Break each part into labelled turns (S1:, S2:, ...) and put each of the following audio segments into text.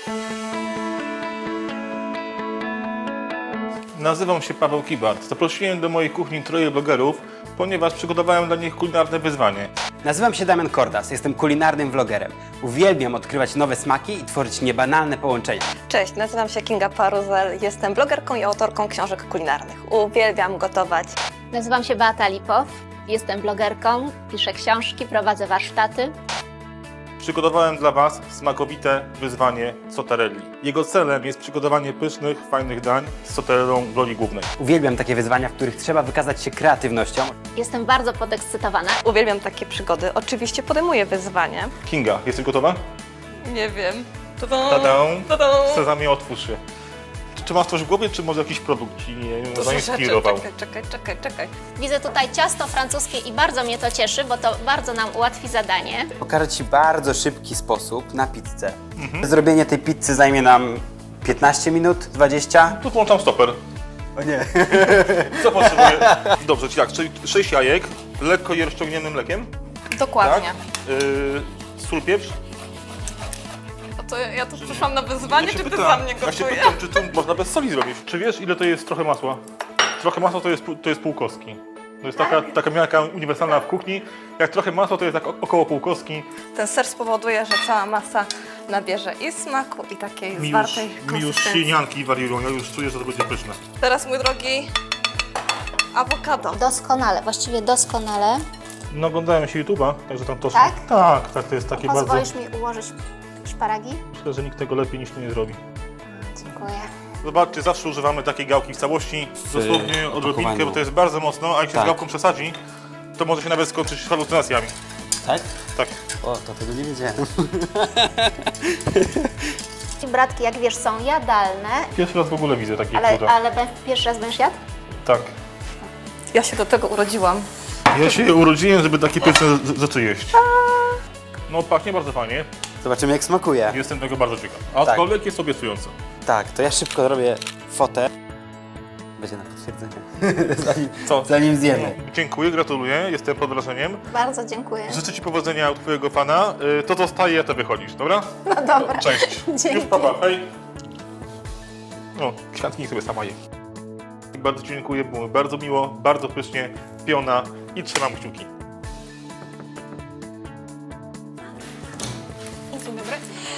S1: Nazywam się Paweł Kibart. Zaprosiłem do mojej kuchni troje blogerów, ponieważ przygotowałem dla nich kulinarne wyzwanie.
S2: Nazywam się Damian Kordas, jestem kulinarnym vlogerem. Uwielbiam odkrywać nowe smaki i tworzyć niebanalne połączenia.
S3: Cześć, nazywam się Kinga Paruzel, jestem blogerką i autorką książek kulinarnych. Uwielbiam gotować.
S4: Nazywam się Beata Lipow, jestem blogerką, piszę książki, prowadzę warsztaty.
S1: Przygotowałem dla Was smakowite wyzwanie Zotarelli. Jego celem jest przygotowanie pysznych, fajnych dań z zotarellą w roli głównej.
S2: Uwielbiam takie wyzwania, w których trzeba wykazać się kreatywnością.
S4: Jestem bardzo podekscytowana.
S3: Uwielbiam takie przygody. Oczywiście podejmuję wyzwanie.
S1: Kinga, jesteś gotowa?
S3: Nie wiem.
S1: Tada! Sezamie, otwórz się. Czy masz coś w głowie, czy może jakiś produkt Ci zainspirował?
S3: Czekaj.
S4: Widzę tutaj ciasto francuskie i bardzo mnie to cieszy, bo to bardzo nam ułatwi zadanie.
S2: Pokażę Ci bardzo szybki sposób na pizzę. Zrobienie tej pizzy zajmie nam 15 minut, 20.
S1: Tu włączam stoper.
S2: O nie.
S1: Co potrzebuję? Dobrze, czyli 6 jajek, lekko je rozciągniętym mlekiem.
S3: Dokładnie.
S1: Tak? Sól, pieprz.
S3: To ja tu przyszłam na wyzwanie, czy Ty za mnie
S1: Ja się
S3: gotujesz?
S1: pytam, czy to można bez soli zrobić. Czy wiesz, ile to jest trochę masła? Trochę masła to jest pół kostki. To jest taka miarka uniwersalna w kuchni. Jak trochę masła, to jest tak około pół kostki.
S3: Ten ser spowoduje, że cała masa nabierze i smaku, i takiej zwartej
S1: Mi już
S3: konsystencji.
S1: ślinianki wariują, ja już czuję, że to będzie pyszne.
S3: Teraz, mój drogi, awokado.
S4: Doskonale, właściwie doskonale.
S1: No oglądałem się YouTube'a, także tam to...
S4: Tak?
S1: Tak, to jest takie bardzo...
S4: Pozwolisz mi ułożyć szparagi?
S1: Myślę, że nikt tego lepiej niż Ty nie zrobi.
S4: Dziękuję.
S1: Zobaczcie, zawsze używamy takiej gałki w całości, dosłownie odrobinkę, bo to jest bardzo mocno, a jak się
S2: Tak.
S1: z gałką przesadzi, to może się nawet skończyć halucynacjami.
S2: Tak?
S1: Tak.
S2: O, to tego nie wiedziałem.
S4: Bratki, jak wiesz, są jadalne,
S1: Pierwszy raz w ogóle widzę takie cuda.
S4: ale pierwszy raz będziesz jadł?
S1: Tak.
S3: Ja się do tego urodziłam.
S1: Ja się urodziłem, żeby takie pyszne rzeczy jeść. No pachnie bardzo fajnie,
S2: Zobaczymy, jak smakuje.
S1: jestem tego bardzo ciekaw. Aczkolwiek jest obiecujące.
S2: Tak, to ja szybko robię fotę. Będzie na potwierdzenie.
S1: Co?
S2: Zanim zjemy.
S1: Dziękuję, gratuluję, jestem pod wrażeniem.
S4: Bardzo dziękuję.
S1: Życzę Ci powodzenia u Twojego pana. To zostaje, a Ty wychodzisz, dobra?
S4: No dobra.
S1: Cześć.
S4: Dzięki.
S1: Już papa, hej. No, kwiatki sobie sama je. Bardzo Ci dziękuję, było mi bardzo miło, bardzo pysznie, piona i trzymam kciuki.
S3: Dzień dobry.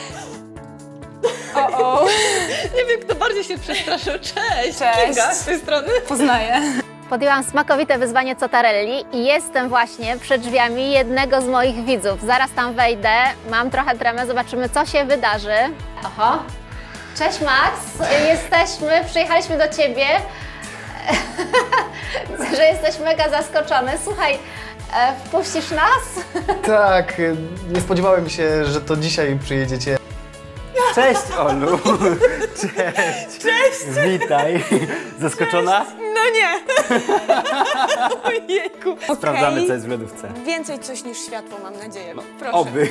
S3: Nie wiem, kto bardziej się przestraszył. Cześć! Kinga, z tej strony. Poznaję.
S4: Podjęłam smakowite wyzwanie Zotarelli i jestem właśnie przed drzwiami jednego z moich widzów. Zaraz tam wejdę, mam trochę tremę, zobaczymy, co się wydarzy. Oho. Cześć Max, przyjechaliśmy do Ciebie. Widzę, że jesteś mega zaskoczony. Słuchaj, wpuścisz nas?
S5: Tak, nie spodziewałem się, że to dzisiaj przyjedziecie.
S2: Cześć, Olu! Cześć! Cześć! Witaj! Zaskoczona?
S6: No nie! Ojejku.
S2: Sprawdzamy, co jest w lodówce.
S6: Więcej coś niż światło, mam nadzieję. Proszę.
S2: Oby.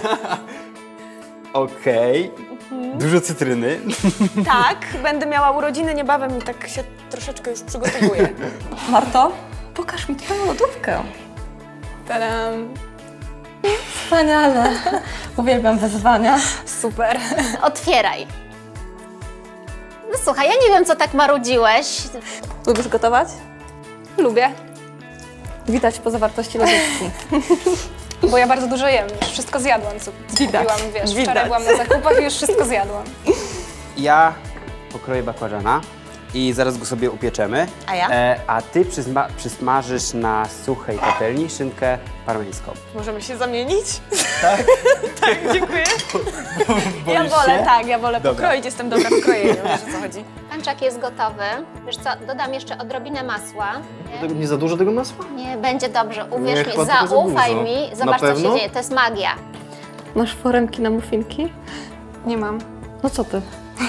S2: Okej. Dużo cytryny.
S6: Tak, będę miała urodziny niebawem i tak się troszeczkę już przygotowuję.
S3: Marto, pokaż mi Twoją lodówkę.
S6: Tadam.
S3: Wspaniale. Uwielbiam wyzwania.
S6: Super.
S4: Otwieraj. No słuchaj, ja nie wiem, co tak marudziłeś.
S3: Lubisz gotować?
S6: Lubię,
S3: Widać po zawartości lodówki.
S6: bo ja bardzo dużo jem. Już wszystko zjadłam, co
S3: Widać,
S6: kupiłam, wiesz.
S3: widać.
S6: Wczoraj byłam na zakupach i już wszystko zjadłam.
S2: Ja pokroję bakłażana i zaraz go sobie upieczemy.
S3: A ja?
S2: A Ty przysmażysz na suchej patelni szynkę parmeńską.
S6: Możemy się zamienić?
S2: Tak?
S6: Tak, dziękuję. Ja
S2: Boisz
S6: wolę,
S2: się?
S6: tak, ja wolę
S2: Dobra.
S6: pokroić, jestem dobra w krojeniu, wiesz o co chodzi.
S4: Pańczak jest gotowy. Wiesz co, dodam jeszcze odrobinę masła.
S5: Nie za dużo tego masła?
S4: Nie, będzie dobrze,
S5: Nie,
S4: uwierz mi,
S5: chyba tylko za
S4: zaufaj
S5: dużo.
S4: mi,
S5: Na
S4: zobacz co się
S5: pewno?
S4: dzieje, to jest magia.
S3: Masz foremki na muffinki?
S6: Nie mam.
S3: No co Ty?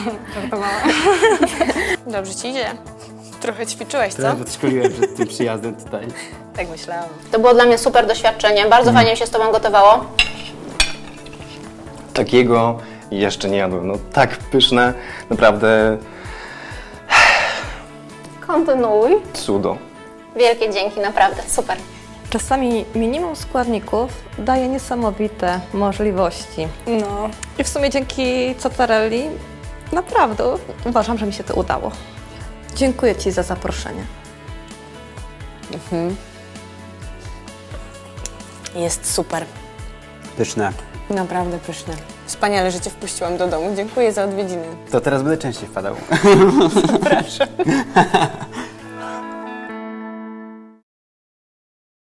S6: Dobrze ci idzie. Trochę ćwiczyłeś, co?
S2: Trochę podszkoliłem przed tym przyjazdem tutaj.
S6: Tak myślałam.
S4: To było dla mnie super doświadczenie, bardzo fajnie mi się z Tobą gotowało.
S5: Takiego jeszcze nie jadłem. No tak pyszne, naprawdę
S4: Kontynuuj.
S5: cudo.
S4: Wielkie dzięki, naprawdę, super.
S3: Czasami minimum składników daje niesamowite możliwości.
S6: No.
S3: I w sumie dzięki Cottarelli naprawdę uważam, że mi się to udało. Dziękuję Ci za zaproszenie.
S6: Jest super.
S2: Pyszne.
S6: Naprawdę pyszne. Wspaniale, że Cię wpuściłam do domu. Dziękuję za odwiedziny.
S2: To teraz będę częściej wpadał.